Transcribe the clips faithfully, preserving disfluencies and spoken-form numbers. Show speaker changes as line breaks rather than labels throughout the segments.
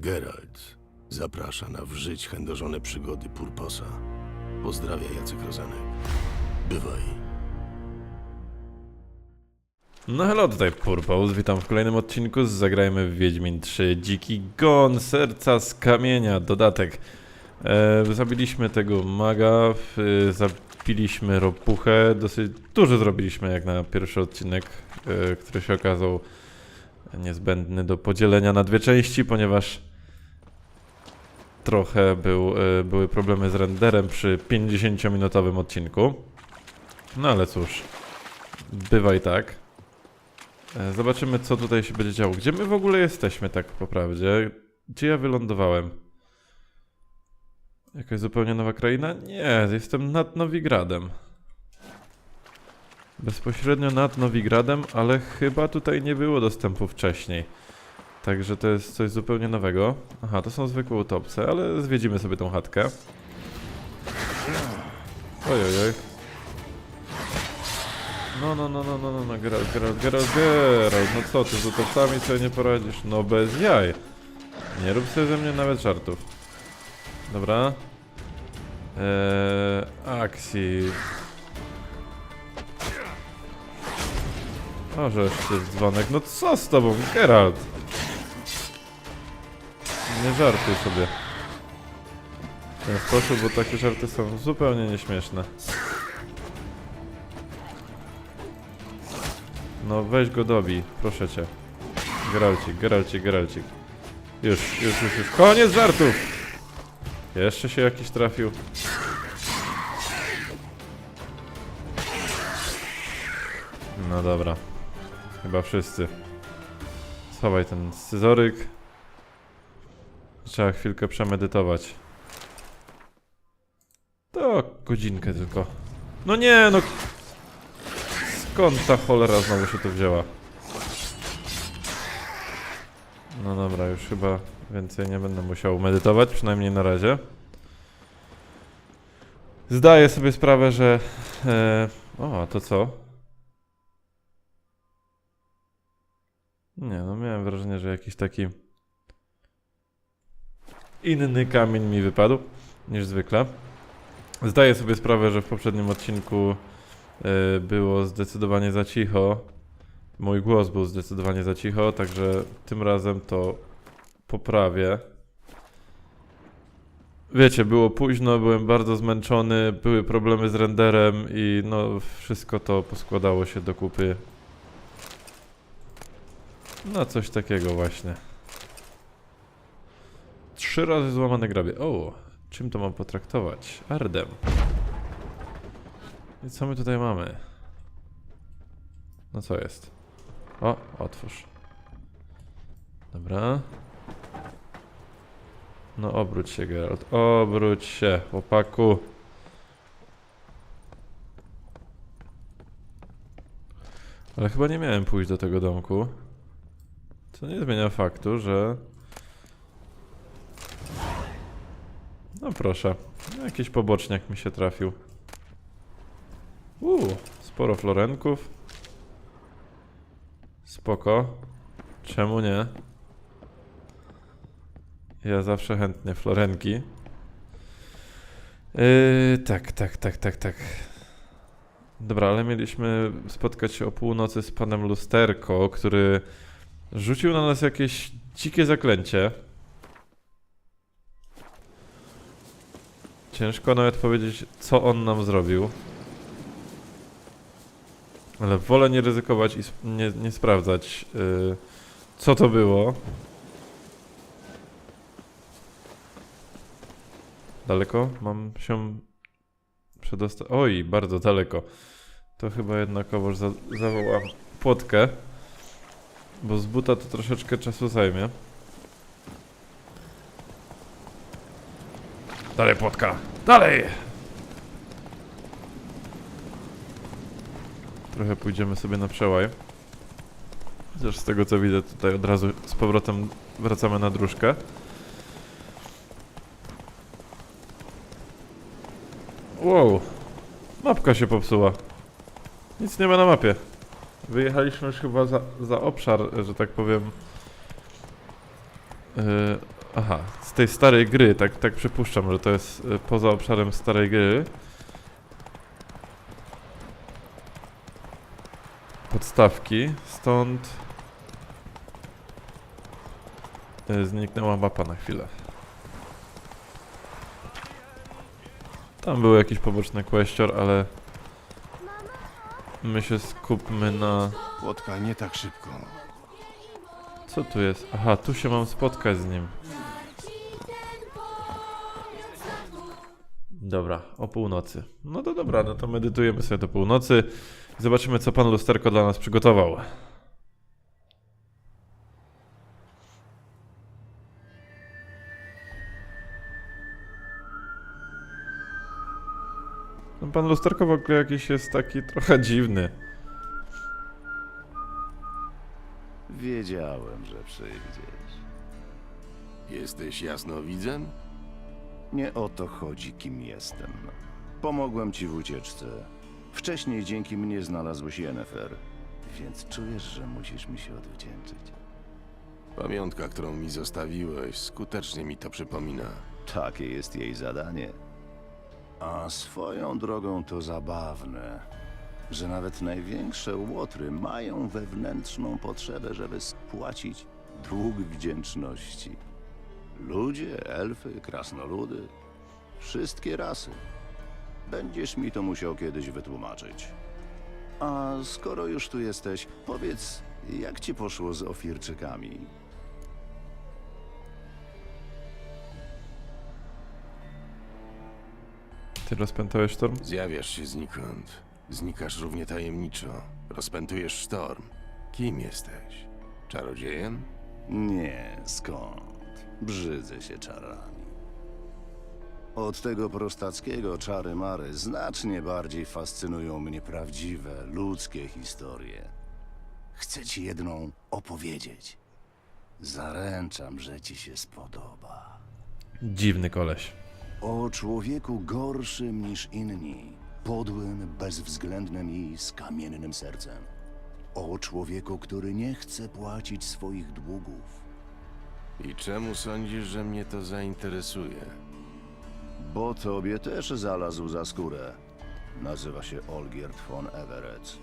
Geralt zaprasza na w żyć chędożone przygody Purposa. Pozdrawia Jacek Rozenek. Bywaj.
No hello, tutaj Purpose, witam w kolejnym odcinku z Zagrajmy w Wiedźmin trzy Dziki Gon, Serca z Kamienia, dodatek. E, zabiliśmy tego maga, e, zabiliśmy ropuchę, dosyć dużo zrobiliśmy jak na pierwszy odcinek, e, który się okazał niezbędny do podzielenia na dwie części, ponieważ trochę był, e, były problemy z renderem przy pięćdziesięciominutowym odcinku. No ale cóż, bywa i tak. Zobaczymy, co tutaj się będzie działo. Gdzie my w ogóle jesteśmy, tak po prawdzie? Gdzie ja wylądowałem? Jakaś zupełnie nowa kraina? Nie, jestem nad Nowigradem. Bezpośrednio nad Nowigradem, ale chyba tutaj nie było dostępu wcześniej. Także to jest coś zupełnie nowego. Aha, to są zwykłe utopce, ale zwiedzimy sobie tą chatkę. Ojojoj. No, no, no, no, no, no, no, Geralt, Geralt, Geralt, Geralt, no co ty, z utopcami sobie nie poradzisz? No bez jaj. Nie rób sobie ze mnie nawet żartów. Dobra. Eee, akcji. O, żeż ty dzwonek, no co z tobą, Geralt? Nie żartuj sobie. W ten sposób, bo takie żarty są zupełnie nieśmieszne. No weź go dobij, proszę cię. Geralcik, Geralcik, Geralcik. Już, już, już, już. Koniec żartów! Jeszcze się jakiś trafił. No dobra. Chyba wszyscy. Schowaj ten scyzoryk. Trzeba chwilkę przemedytować. To godzinkę tylko. No nie, no... Skąd ta cholera znowu się tu wzięła? No dobra, już chyba więcej nie będę musiał medytować, przynajmniej na razie. Zdaję sobie sprawę, że... E, o, a to co? Nie, no miałem wrażenie, że jakiś taki... inny kamień mi wypadł niż zwykle. Zdaję sobie sprawę, że w poprzednim odcinku yy, było zdecydowanie za cicho. Mój głos był zdecydowanie za cicho, także tym razem to poprawię. Wiecie, było późno, byłem bardzo zmęczony, były problemy z renderem i no wszystko to poskładało się do kupy. No coś takiego właśnie. Trzy razy złamane grabie. O, czym to mam potraktować? Ardem. I co my tutaj mamy? No co jest? O, otwórz. Dobra. No obróć się, Geralt. Obróć się, chłopaku. Ale chyba nie miałem pójść do tego domku. Co nie zmienia faktu, że... No proszę, jakiś poboczniak mi się trafił. Uuu, sporo florenków. Spoko. Czemu nie? Ja zawsze chętnie florenki. Yy, tak, tak, tak, tak, tak. Dobra, ale mieliśmy spotkać się o północy z panem Lusterko, który rzucił na nas jakieś dzikie zaklęcie. Ciężko nawet powiedzieć, co on nam zrobił. Ale wolę nie ryzykować i nie, nie sprawdzać, yy, co to było. Daleko? Mam się przedostać. Oj, bardzo daleko. To chyba jednakowoż za zawołam płotkę. Bo z buta to troszeczkę czasu zajmie. Dalej, płotka! Dalej! Trochę pójdziemy sobie na przełaj. Chociaż z tego co widzę, tutaj od razu z powrotem wracamy na dróżkę. Wow! Mapka się popsuła. Nic nie ma na mapie. Wyjechaliśmy już chyba za, za obszar, że tak powiem, yy, Aha, z tej starej gry, tak, tak przypuszczam, że to jest y, poza obszarem starej gry. Podstawki, stąd y, zniknęła mapa na chwilę. Tam był jakiś poboczny questor, ale my się skupmy na...
Płotka, nie tak szybko.
Co tu jest? Aha, tu się mam spotkać z nim. Dobra, o północy. No to dobra, no to medytujemy sobie do północy. Zobaczymy, co pan lusterko dla nas przygotował. No pan lusterko w ogóle jakiś jest taki trochę dziwny.
Wiedziałem, że przyjdziesz.
Jesteś jasnowidzem?
Nie o to chodzi, kim jestem. Pomogłem ci w ucieczce. Wcześniej dzięki mnie znalazłeś Yennefer, więc czujesz, że musisz mi się odwdzięczyć.
Pamiątka, którą mi zostawiłeś, skutecznie mi to przypomina.
Takie jest jej zadanie. A swoją drogą to zabawne, że nawet największe łotry mają wewnętrzną potrzebę, żeby spłacić dług wdzięczności. Ludzie, elfy, krasnoludy, wszystkie rasy. Będziesz mi to musiał kiedyś wytłumaczyć. A skoro już tu jesteś, powiedz, jak ci poszło z ofirczykami?
Ty rozpętałeś sztorm?
Zjawiasz się znikąd. Znikasz równie tajemniczo. Rozpętujesz sztorm. Kim jesteś? Czarodziejem?
Nie, skąd? Brzydzę się czarami. Od tego prostackiego czary-mary znacznie bardziej fascynują mnie prawdziwe, ludzkie historie. Chcę ci jedną opowiedzieć. Zaręczam, że ci się spodoba.
Dziwny koleś.
O człowieku gorszym niż inni, podłym, bezwzględnym i z kamiennym sercem. O człowieku, który nie chce płacić swoich długów.
I czemu sądzisz, że mnie to zainteresuje?
Bo tobie też zalazł za skórę. Nazywa się Olgierd von Everett.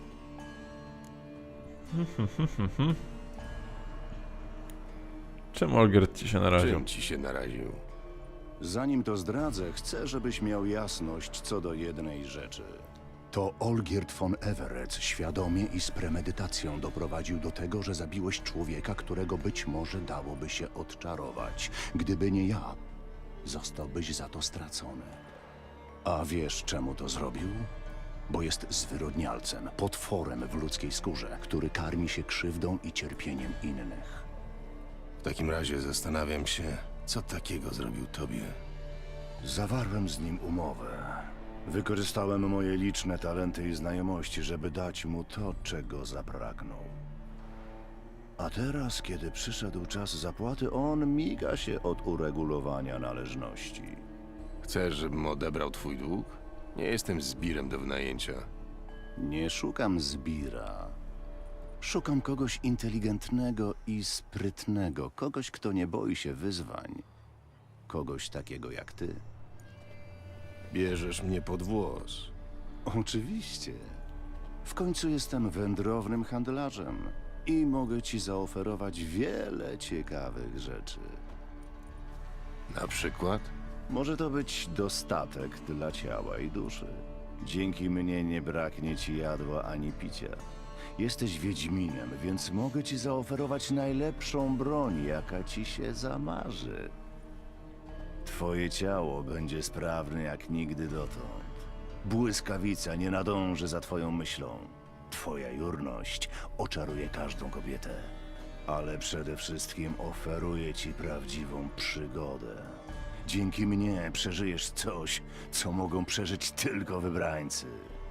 Czym Olgierd ci się naraził?
Czym ci się naraził?
Zanim to zdradzę, chcę, żebyś miał jasność co do jednej rzeczy. To Olgierd von Everett świadomie i z premedytacją doprowadził do tego, że zabiłeś człowieka, którego być może dałoby się odczarować. Gdyby nie ja, zostałbyś za to stracony. A wiesz, czemu to zrobił? Bo jest zwyrodnialcem, potworem w ludzkiej skórze, który karmi się krzywdą i cierpieniem innych.
W takim razie zastanawiam się, co takiego zrobił tobie.
Zawarłem z nim umowę. Wykorzystałem moje liczne talenty i znajomości, żeby dać mu to, czego zapragnął. A teraz, kiedy przyszedł czas zapłaty, on miga się od uregulowania należności.
Chcesz, żebym odebrał twój dług? Nie jestem zbirem do wynajęcia.
Nie szukam zbira. Szukam kogoś inteligentnego i sprytnego, kogoś, kto nie boi się wyzwań. Kogoś takiego jak ty.
Bierzesz mnie pod włos.
Oczywiście. W końcu jestem wędrownym handlarzem i mogę ci zaoferować wiele ciekawych rzeczy.
Na przykład?
Może to być dostatek dla ciała i duszy. Dzięki mnie nie braknie ci jadła ani picia. Jesteś wiedźminem, więc mogę ci zaoferować najlepszą broń, jaka ci się zamarzy. Twoje ciało będzie sprawne jak nigdy dotąd. Błyskawica nie nadąży za twoją myślą. Twoja jurność oczaruje każdą kobietę. Ale przede wszystkim oferuję ci prawdziwą przygodę. Dzięki mnie przeżyjesz coś, co mogą przeżyć tylko wybrańcy.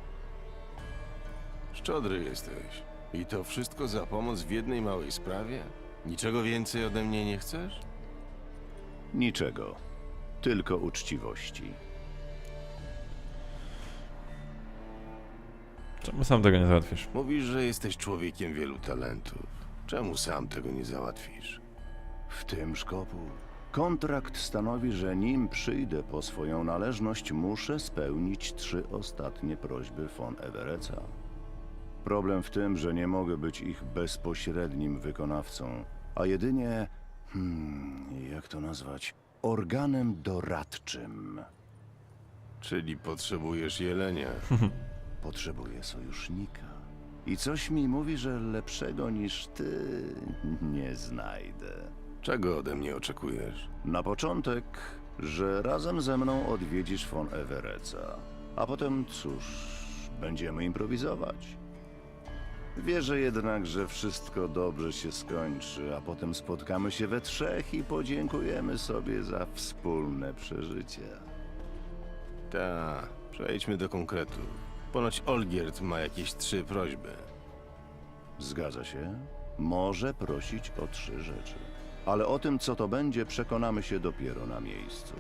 Szczodry jesteś. I to wszystko za pomoc w jednej małej sprawie? Niczego więcej ode mnie nie chcesz?
Niczego. Tylko uczciwości.
Czemu sam tego nie załatwisz?
Mówisz, że jesteś człowiekiem wielu talentów. Czemu sam tego nie załatwisz?
W tym szkopu Kontrakt stanowi, że nim przyjdę po swoją należność, muszę spełnić trzy ostatnie prośby von Everetza. Problem w tym, że nie mogę być ich bezpośrednim wykonawcą, a jedynie, hmm, jak to nazwać, organem doradczym.
Czyli potrzebujesz jelenia.
Potrzebuję sojusznika. I coś mi mówi, że lepszego niż ty nie znajdę.
Czego ode mnie oczekujesz?
Na początek, że razem ze mną odwiedzisz von Everetza, a potem, cóż, będziemy improwizować. Wierzę jednak, że wszystko dobrze się skończy, a potem spotkamy się we trzech i podziękujemy sobie za wspólne przeżycie.
Ta, przejdźmy do konkretu. Ponoć Olgierd ma jakieś trzy prośby.
Zgadza się? Może prosić o trzy rzeczy. Ale o tym, co to będzie, przekonamy się dopiero na miejscu.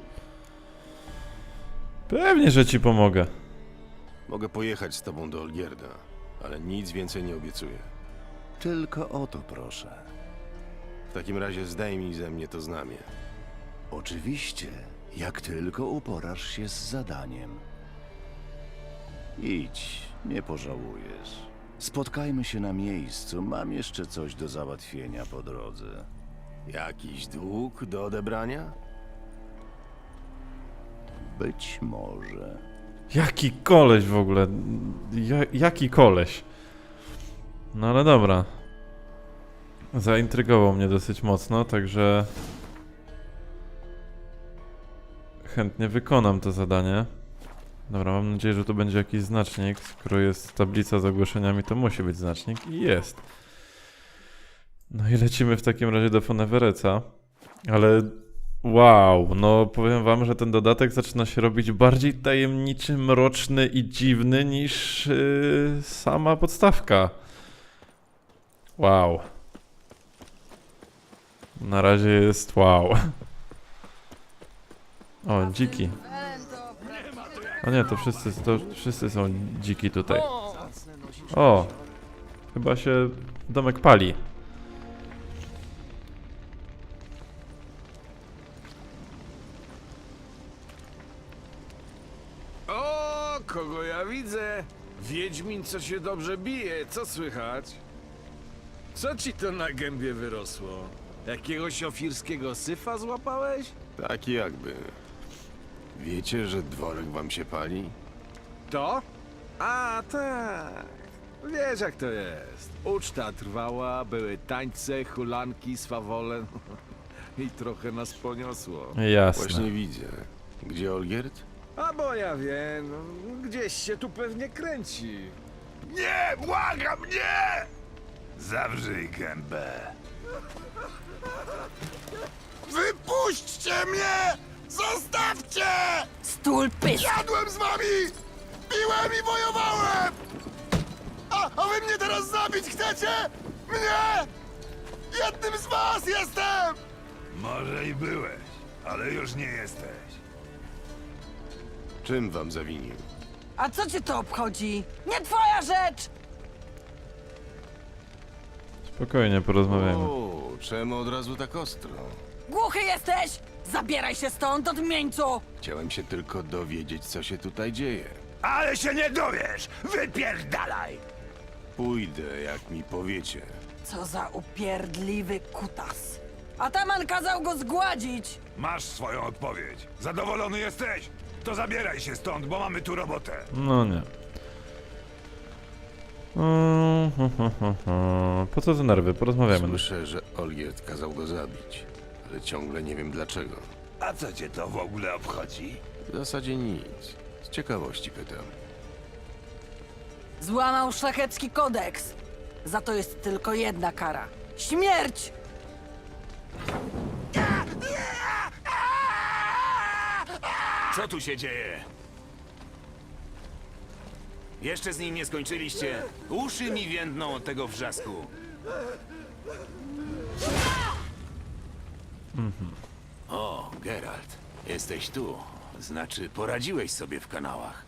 Pewnie, że ci pomogę.
Mogę pojechać z tobą do Olgierda, ale nic więcej nie obiecuję.
Tylko o to proszę.
W takim razie zdejmij ze mnie to znamię.
Oczywiście, jak tylko uporasz się z zadaniem. Idź, nie pożałujesz. Spotkajmy się na miejscu, mam jeszcze coś do załatwienia po drodze.
Jakiś dług do odebrania?
Być może.
Jaki koleś w ogóle? Ja, jaki koleś? No ale dobra. Zaintrygował mnie dosyć mocno, także chętnie wykonam to zadanie. Dobra, mam nadzieję, że tu będzie jakiś znacznik. Skoro jest tablica z ogłoszeniami, to musi być znacznik i jest. No i lecimy w takim razie do von Everetza. Ale wow, no powiem wam, że ten dodatek zaczyna się robić bardziej tajemniczy, mroczny i dziwny niż yy, sama podstawka. Wow. Na razie jest wow. O, dziki. O nie, to wszyscy, to wszyscy są dziki tutaj. O, chyba się domek pali.
O, kogo ja widzę? Wiedźmin, co się dobrze bije, co słychać? Co ci to na gębie wyrosło? Jakiegoś ofirskiego syfa złapałeś?
Tak jakby. Wiecie, że dworek wam się pali?
To? A, tak. Wiesz jak to jest. Uczta trwała, były tańce, hulanki, swawole. I trochę nas poniosło.
Jasne.
Właśnie widzę. Gdzie Olgierd?
A bo ja wiem, no, gdzieś się tu pewnie kręci.
Nie, błagam, nie! Zawrzyj gębę. Wypuśćcie mnie! Zostawcie!
Stul pysk!
Jadłem z wami! Piłem i wojowałem! A, a wy mnie teraz zabić chcecie? Mnie? Jednym z was jestem! Może i byłeś, ale już nie jesteś.
Czym wam zawinił?
A co cię to obchodzi? Nie twoja rzecz!
Spokojnie, porozmawiajmy.
O, czemu od razu tak ostro?
Głuchy jesteś? Zabieraj się stąd, odmieńcu!
Chciałem się tylko dowiedzieć, co się tutaj dzieje.
Ale się nie dowiesz! Wypierdalaj!
Pójdę, jak mi powiecie.
Co za upierdliwy kutas. Ataman kazał go zgładzić!
Masz swoją odpowiedź. Zadowolony jesteś? To zabieraj się stąd, bo mamy tu robotę.
No nie. Mm, hu, hu, hu, hu. Po co te nerwy? Porozmawiamy.
Słyszę, że Olgierd kazał go zabić, ale ciągle nie wiem dlaczego.
A co cię to w ogóle obchodzi?
W zasadzie nic. Z ciekawości pytam.
Złamał szlachecki kodeks. Za to jest tylko jedna kara. Śmierć!
Co tu się dzieje? Jeszcze z nim nie skończyliście? Uszy mi więdną od tego wrzasku. O, Geralt, jesteś tu. Znaczy, poradziłeś sobie w kanałach.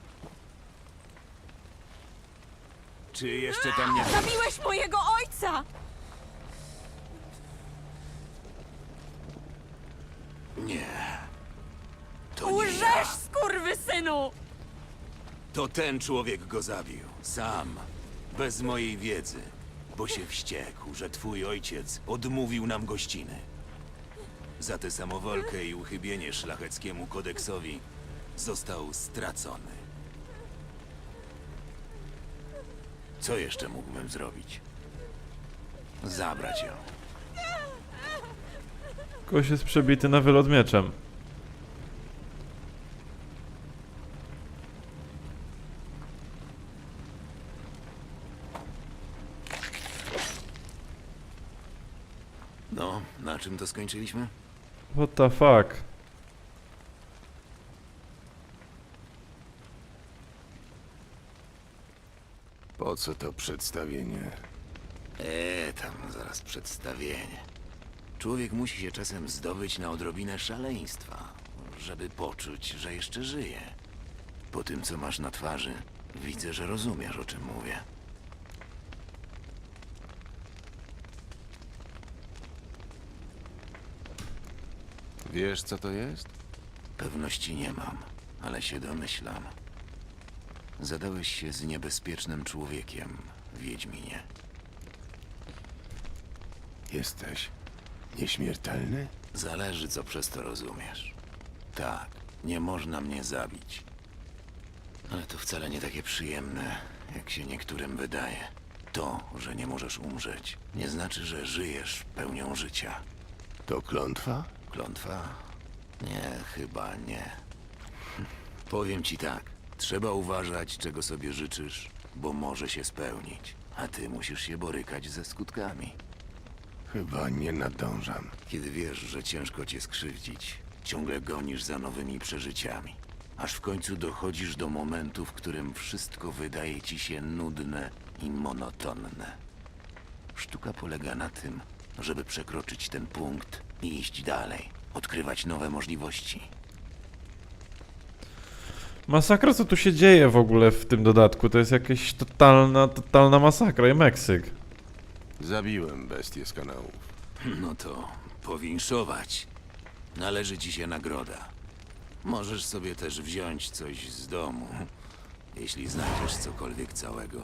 Czy jeszcze tam nie...
Zabiłeś mojego ojca!
Nie. To nie
Łżesz,
ja.
skurwysynu!
To ten człowiek go zabił. Sam. Bez mojej wiedzy. Bo się wściekł, że twój ojciec odmówił nam gościny. Za tę samowolkę i uchybienie szlacheckiemu kodeksowi został stracony. Co jeszcze mógłbym zrobić? Zabrać ją.
Kogoś jest przebity na wylot mieczem.
No, na czym to skończyliśmy?
What the fuck?
Po co to przedstawienie?
Eee, tam zaraz przedstawienie. Człowiek musi się czasem zdobyć na odrobinę szaleństwa, żeby poczuć, że jeszcze żyje. Po tym, co masz na twarzy, widzę, że rozumiesz, o czym mówię.
Wiesz, co to jest?
Pewności nie mam, ale się domyślam. Zadałeś się z niebezpiecznym człowiekiem, Wiedźminie.
Jesteś nieśmiertelny?
Zależy, co przez to rozumiesz. Tak, nie można mnie zabić. Ale to wcale nie takie przyjemne, jak się niektórym wydaje. To, że nie możesz umrzeć, nie znaczy, że żyjesz pełnią życia.
To klątwa?
Klątwa? Nie, chyba nie. Powiem ci tak, trzeba uważać, czego sobie życzysz, bo może się spełnić, a ty musisz się borykać ze skutkami.
Chyba nie nadążam.
Kiedy wiesz, że ciężko cię skrzywdzić, ciągle gonisz za nowymi przeżyciami. Aż w końcu dochodzisz do momentu, w którym wszystko wydaje ci się nudne i monotonne. Sztuka polega na tym, żeby przekroczyć ten punkt i iść dalej, odkrywać nowe możliwości.
Masakra, co tu się dzieje w ogóle w tym dodatku? To jest jakaś totalna, totalna masakra i Meksyk.
Zabiłem bestię z kanałów.
No to powinszować. Należy ci się nagroda. Możesz sobie też wziąć coś z domu, jeśli znajdziesz cokolwiek całego.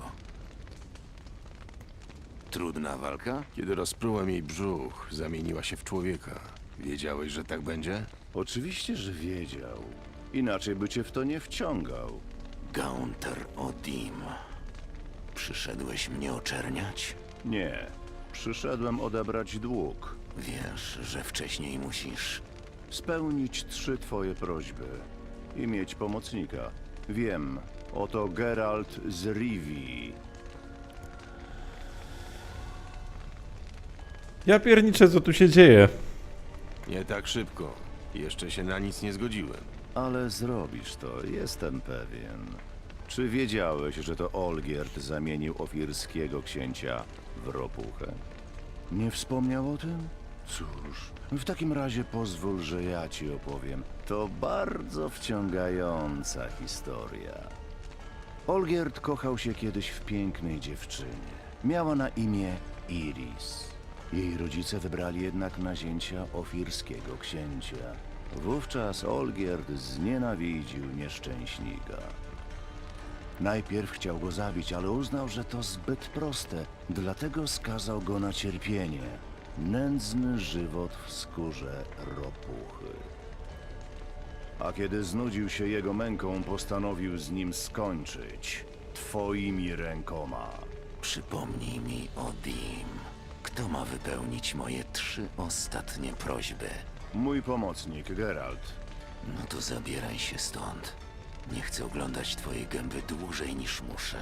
Trudna walka?
Kiedy rozprułem jej brzuch, zamieniła się w człowieka. Wiedziałeś, że tak będzie?
Oczywiście, że wiedział. Inaczej by cię w to nie wciągał.
Gaunter Odim. Przyszedłeś mnie oczerniać?
Nie. Przyszedłem odebrać dług.
Wiesz, że wcześniej musisz.
Spełnić trzy twoje prośby. I mieć pomocnika. Wiem. Oto Geralt z Rivii.
Ja pierniczę, co tu się dzieje.
Nie tak szybko. Jeszcze się na nic nie zgodziłem.
Ale zrobisz to, jestem pewien. Czy wiedziałeś, że to Olgierd zamienił ofirskiego księcia w ropuchę? Nie wspomniał o tym? Cóż, w takim razie pozwól, że ja ci opowiem. To bardzo wciągająca historia. Olgierd kochał się kiedyś w pięknej dziewczynie. Miała na imię Iris. Jej rodzice wybrali jednak nazięcia ofirskiego księcia. Wówczas Olgierd znienawidził nieszczęśnika. Najpierw chciał go zabić, ale uznał, że to zbyt proste, dlatego skazał go na cierpienie. Nędzny żywot w skórze ropuchy. A kiedy znudził się jego męką, postanowił z nim skończyć. Twoimi rękoma.
Przypomnij mi, Odim. Kto ma wypełnić moje trzy ostatnie prośby?
Mój pomocnik, Geralt.
No to zabieraj się stąd. Nie chcę oglądać twojej gęby dłużej niż muszę.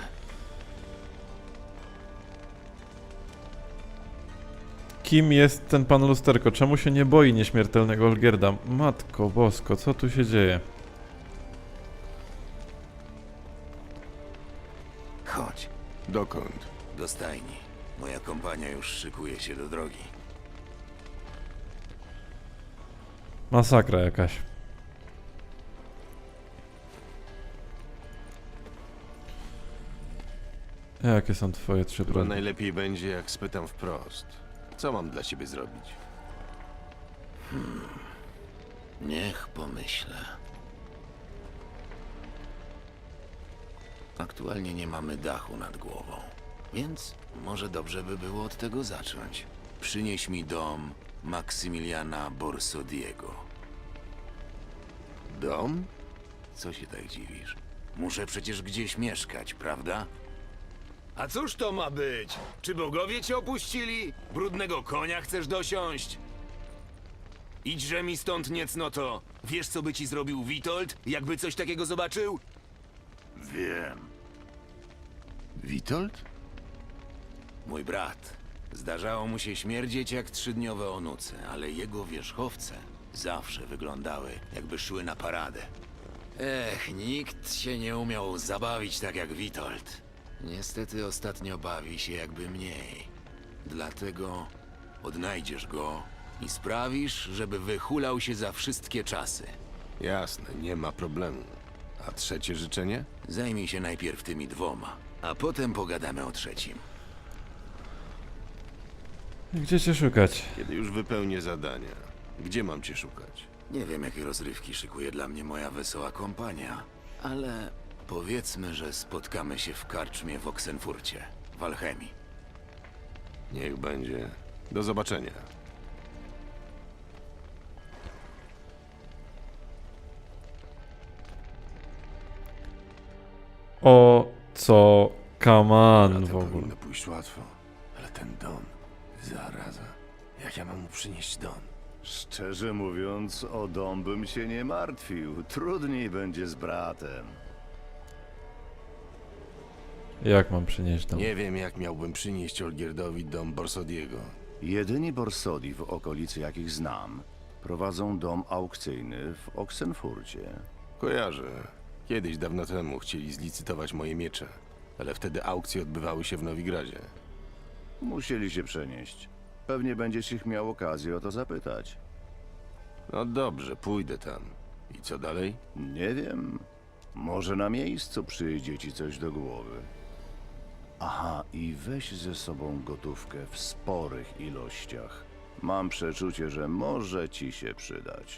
Kim jest ten pan lusterko? Czemu się nie boi nieśmiertelnego Olgierda? Matko bosko, co tu się dzieje?
Chodź,
Dokąd?
do stajni. Moja kompania już szykuje się do drogi.
Masakra jakaś. Jakie są twoje trzy
Chyba
prośby?
najlepiej będzie, jak spytam wprost. Co mam dla ciebie zrobić?
Niech pomyślę. Aktualnie nie mamy dachu nad głową, więc może dobrze by było od tego zacząć. Przynieś mi dom Maksymiliana Borsodiego.
Dom?
Co się tak dziwisz? Muszę przecież gdzieś mieszkać, prawda?
A cóż to ma być? Czy bogowie cię opuścili? Brudnego konia chcesz dosiąść? Idźże mi stąd, niecnoto. Wiesz, co by ci zrobił Witold, jakby coś takiego zobaczył?
Wiem. Witold?
Mój brat. Zdarzało mu się śmierdzieć jak trzydniowe onuce, ale jego wierzchowce zawsze wyglądały, jakby szły na paradę. Ech, nikt się nie umiał zabawić tak jak Witold. Niestety ostatnio bawi się jakby mniej. Dlatego odnajdziesz go i sprawisz, żeby wyhulał się za wszystkie czasy.
Jasne, nie ma problemu. A trzecie życzenie?
Zajmij się najpierw tymi dwoma, a potem pogadamy o trzecim.
Gdzie cię szukać?
Kiedy już wypełnię zadania. Gdzie mam cię szukać?
Nie wiem, jakie rozrywki szykuje dla mnie moja wesoła kompania, ale powiedzmy, że spotkamy się w karczmie w Oksenfurcie, w Alchemii.
Niech będzie. Do zobaczenia.
O co kaman
Bratem
w ogóle?
powinno pójść łatwo. Ale ten Don, zaraza. Jak ja mam mu przynieść Don?
Szczerze mówiąc, o dom bym się nie martwił. Trudniej będzie z bratem.
Jak mam przynieść dom?
Nie wiem, jak miałbym przynieść Olgierdowi dom Borsodiego.
Jedyni Borsodi w okolicy, jakich znam, prowadzą dom aukcyjny w Oksenfurcie.
Kojarzę. Kiedyś, dawno temu, chcieli zlicytować moje miecze. Ale wtedy aukcje odbywały się w Nowigradzie.
Musieli się przenieść. Pewnie będziesz ich miał okazję o to zapytać.
No dobrze, pójdę tam. I co dalej?
Nie wiem. Może na miejscu przyjdzie ci coś do głowy. Aha, i weź ze sobą gotówkę w sporych ilościach. Mam przeczucie, że może ci się przydać.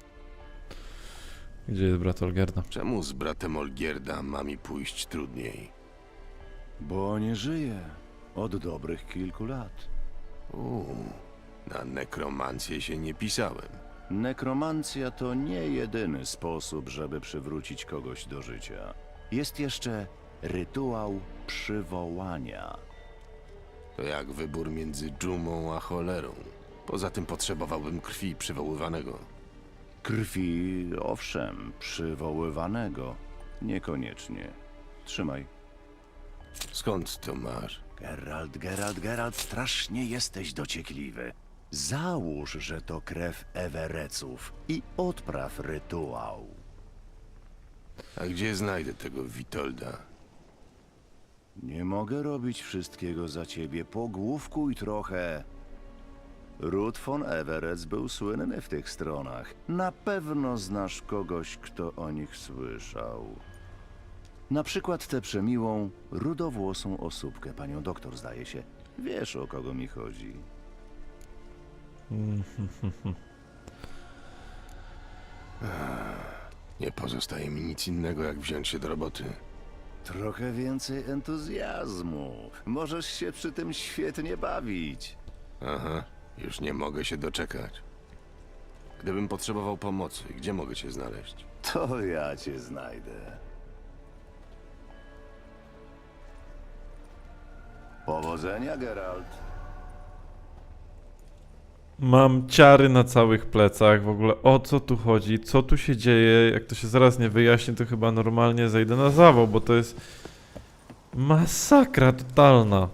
Gdzie jest brat Olgierda?
Czemu z bratem Olgierda ma mi pójść trudniej?
Bo nie żyje od dobrych kilku lat.
Uuu, na nekromancję się nie pisałem.
Nekromancja to nie jedyny sposób, żeby przywrócić kogoś do życia. Jest jeszcze rytuał przywołania.
To jak wybór między dżumą a cholerą. Poza tym potrzebowałbym krwi przywoływanego.
Krwi, owszem, przywoływanego. Niekoniecznie. Trzymaj.
Skąd to masz?
Geralt, Geralt, Geralt, strasznie jesteś dociekliwy. Załóż, że to krew Ewereców i odpraw rytuał.
A gdzie znajdę tego Witolda?
Nie mogę robić wszystkiego za ciebie. Pogłówkuj trochę. Ród von Everec był słynny w tych stronach. Na pewno znasz kogoś, kto o nich słyszał. Na przykład tę przemiłą, rudowłosą osóbkę, panią doktor, zdaje się. Wiesz, o kogo mi chodzi.
Nie pozostaje mi nic innego, jak wziąć się do roboty.
Trochę więcej entuzjazmu. Możesz się przy tym świetnie bawić.
Aha, już nie mogę się doczekać. Gdybym potrzebował pomocy, gdzie mogę cię znaleźć?
To ja cię znajdę. Powodzenia, Geralt.
Mam ciary na całych plecach, w ogóle o co tu chodzi, co tu się dzieje, jak to się zaraz nie wyjaśni, to chyba normalnie zejdę na zawał, bo to jest masakra totalna.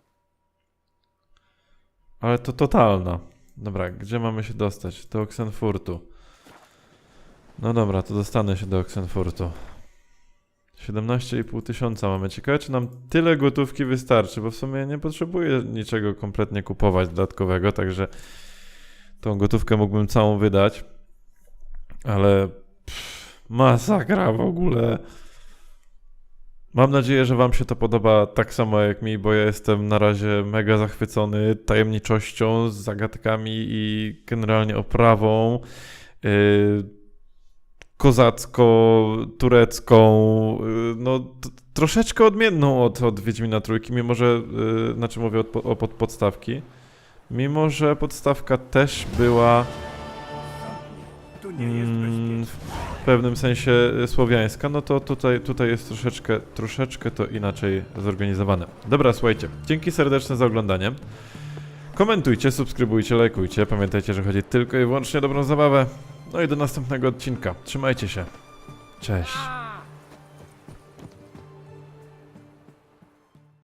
Ale to totalna. Dobra, gdzie mamy się dostać? Do Oksenfurtu. No dobra, to dostanę się do Oksenfurtu. siedemnaście i pół tysiąca mamy. Ciekawe, czy nam tyle gotówki wystarczy, bo w sumie nie potrzebuję niczego kompletnie kupować dodatkowego, także tą gotówkę mógłbym całą wydać. Ale pff, masakra w ogóle. Mam nadzieję, że wam się to podoba tak samo jak mi, bo ja jestem na razie mega zachwycony tajemniczością, zagadkami i generalnie oprawą. yy, kozacko-turecką, yy, no t- troszeczkę odmienną od, od Wiedźmina Trójki, mimo że, yy, znaczy mówię od, o pod podstawki, mimo że podstawka też była mm, w pewnym sensie słowiańska, no to tutaj, tutaj jest troszeczkę, troszeczkę to inaczej zorganizowane. Dobra, słuchajcie, dzięki serdeczne za oglądanie. Komentujcie, subskrybujcie, lajkujcie. Pamiętajcie, że chodzi tylko i wyłącznie o dobrą zabawę. No i do następnego odcinka. Trzymajcie się. Cześć.